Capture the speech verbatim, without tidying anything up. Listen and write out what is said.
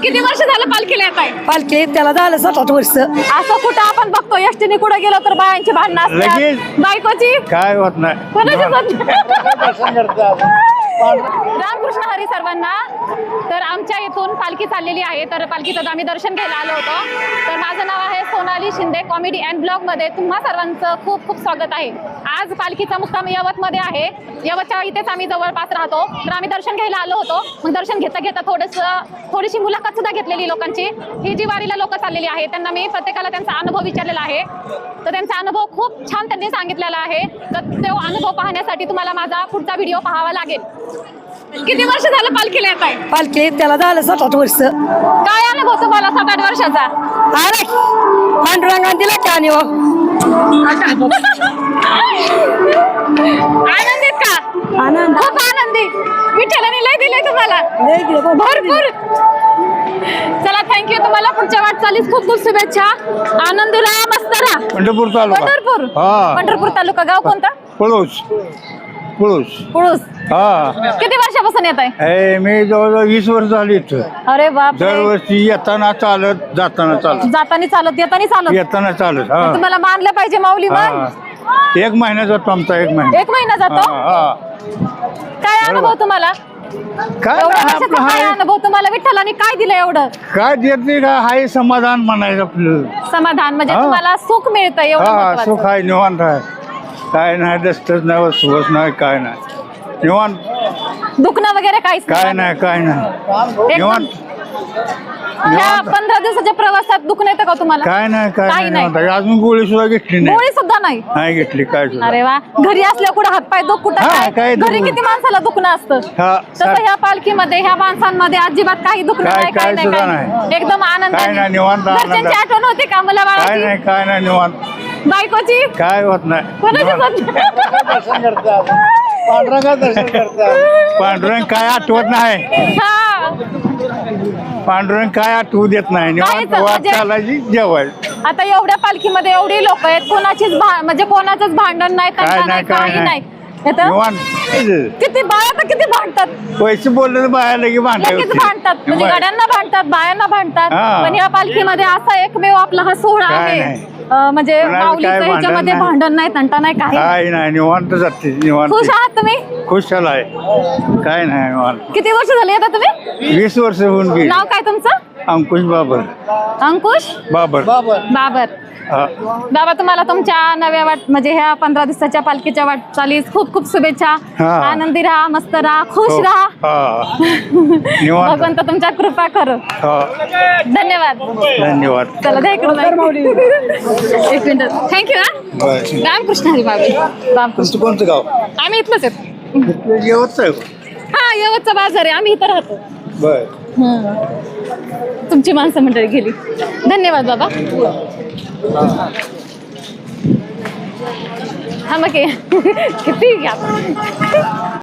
किती वर्ष झालं पालखीला येत आहे? पालखी त्याला झालं सात आठ वर्ष. असं कुठं आपण बघतो एसटीने कुठं गेलो तर बायांची भांडणं असतात, लगेच. बायकोची काय होत नाही कोणाची पण. रामकृष्ण हरी सर्वांना. तर आमच्या इथून पालखी चाललेली आहे, तर पालखीचं आम्ही दर्शन घ्यायला आलो होतो. तर माझं नाव आहे Sonali Shinde. Comedy and vlog मध्ये तुम्हा सर्वांचं खूप खूप स्वागत आहे. आज पालखीचा मुक्काम यवत मध्ये आहे. यवतच्या इथेच आम्ही जवळपास राहतो. तर आम्ही दर्शन घ्यायला आलो होतो. मग दर्शन घेता घेता थोडंसं थोडीशी मुलाखत सुद्धा घेतलेली लोकांची. ही जी वारीला लोक चाललेली आहे त्यांना मी प्रत्येकाला त्यांचा अनुभव विचारलेला आहे. तर त्यांचा अनुभव खूप छान त्यांनी सांगितलेला आहे. तर तो अनुभव पाहण्यासाठी तुम्हाला माझा पुढचा व्हिडिओ पाहावा लागेल. किती वर्ष झालं पालखीला येत आहे? पालखी त्याला झालं सात आठ वर्ष. काय अनुभव तुम्हाला सात आठ वर्षाचा? अरे पांडुरंगाने दिला की आणि आनंदीत का? आनंद खूप आनंदी. विठ्ठलाने लय दिलंय तुम्हाला भरपूर. चला थँक्यू. तुम्हाला पुढच्या वाटचालीस खूप खूप शुभेच्छा. आनंदी राहा, मस्त राहा. पंढरपूर तालुका. पंढरपूर हा. पंढरपूर तालुका. गाव कोणता? पळूस पळूस पुळूस. हा. किती वर्षापासून येत आहे? ए, मी जवळजवळ वीस वर्ष झाली इथं. अरे बाप. दरवर्षी येताना चालत जाताना चालत जातानी चालत येतानी चालत. येताना चालत. हा तुम्हाला मानलं पाहिजे माऊली. हा. मान एक महिना जातो आमचा. एक महिना. एक महिना जातो. हा, हा. काय अनुभव तुम्हाला? काय एवढ्या नाही, वर्षाचा आपलं काय हाय अनुभव तुम्हाला? विठ्ठलाने काय दिलं एवढं? काय देत नाही का हाय समाधान म्हणायचं आपलं. समाधान म्हणजे हा. तुम्हाला सुख मिळतं एवढं हा महत्त्वाचं. सुख आहे, निवांत आहे. काय नाही दस्तच नाही, वसवस नाही, काय नाही. निवांत. दुखणं वगैरे काहीच काय नाही, काय नाही. एकदम- निवांत. ह्या निवांत. पंधरा दिवसाच्या प्रवासात दुखणं येतं का तुम्हाला? काय नाही, काय काही नाही. नाही. निवांत. अजून गोळी सुद्धा घेतली नाही. गोळी सुद्धा नाही. नाही घेतली काय सुद्धा. अरे वा. घरी असल्या कुठं हातपाय दुख कुठं हा, काय? काय घरी दुख- किती माणसाला दुखणं असतं. हा, तसं सा- ह्या पालखीमध्ये ह्या माणसांमध्ये अजिबात काही दुखणं काय- नाही, काय काय नाही, सुद्धा काय नाही. नाही. एकदम आनंद. काय नाही, निवांत आनंद. घरच्यांची आठवण होते का मला काय बाळाची? नाही, काय नाही, निवांत. बायकोची? काय होत नाही. कोणाची निवांत. पांडुरंग काय आठवत नाही. हा. पांडुरंग काय आठवू देत नाही. निवांत काहीच वाट म्हणजे- चालायची जेवाय. आता एवढ्या पालखीमध्ये एवढी लोक आहेत, कोणाचीच भा- म्हणजे कोणाचंच भांडण नाही, काय तंटा नाही, नाही, काय काही नाही. नाही. येतं? निवांत. किती बाया तर किती भांडतात. पैसे बोलले तर बाहेर लगे भांडाय लगेच भांडतात, म्हणजे गाड्यांना भांडतात, बायांना भांडतात. हा. पण या पालखीमध्ये असा एकमेव आपला हा सोहळा काय आहे. नाही. अं, म्हणजे कोणाला माऊलीचं काय भांडण ह्याच्यामध्ये नाही. भांडण नाही, तंटा नाही, काही नाही. काय नाही, निवांत जाते. निवांत. खुश आहात तुम्ही? खुश आहे. काय नाही, निवांत. किती वर्ष झाली येता तुम्ही? वीस वर्ष होऊन गेली. नाव काय तुमचं? अंकुश बाबर. अंकुश बाबर. बाबर. हा. बाबा तुम्हाला तुमच्या नव्या वाट म्हणजे ह्या पंधरा दिवसाच्या पालखीच्या वाटचालीस खूप खूप शुभेच्छा. हा. आनंदी राहा, मस्त राहा, खुश हो. राहा. हा. निवांत. भगवंत तुमच्या कृपा करो. हा. धन्यवाद. धन्यवाद. चला द्या इकडून. एक मिनिट. थँक्यू. हा बरं. रामकृष्ण हरी बाबी. रामकृष्ण. तुमचं कोणतं गाव? आम्ही इथलंच आहेत. येवतच आहे. हा यवतचा बाजार आहे, आम्ही इथं राहतो. बर. हं. तुमची माणसं मंडळी गेली. धन्यवाद बाबा. हा मग किती घ्या.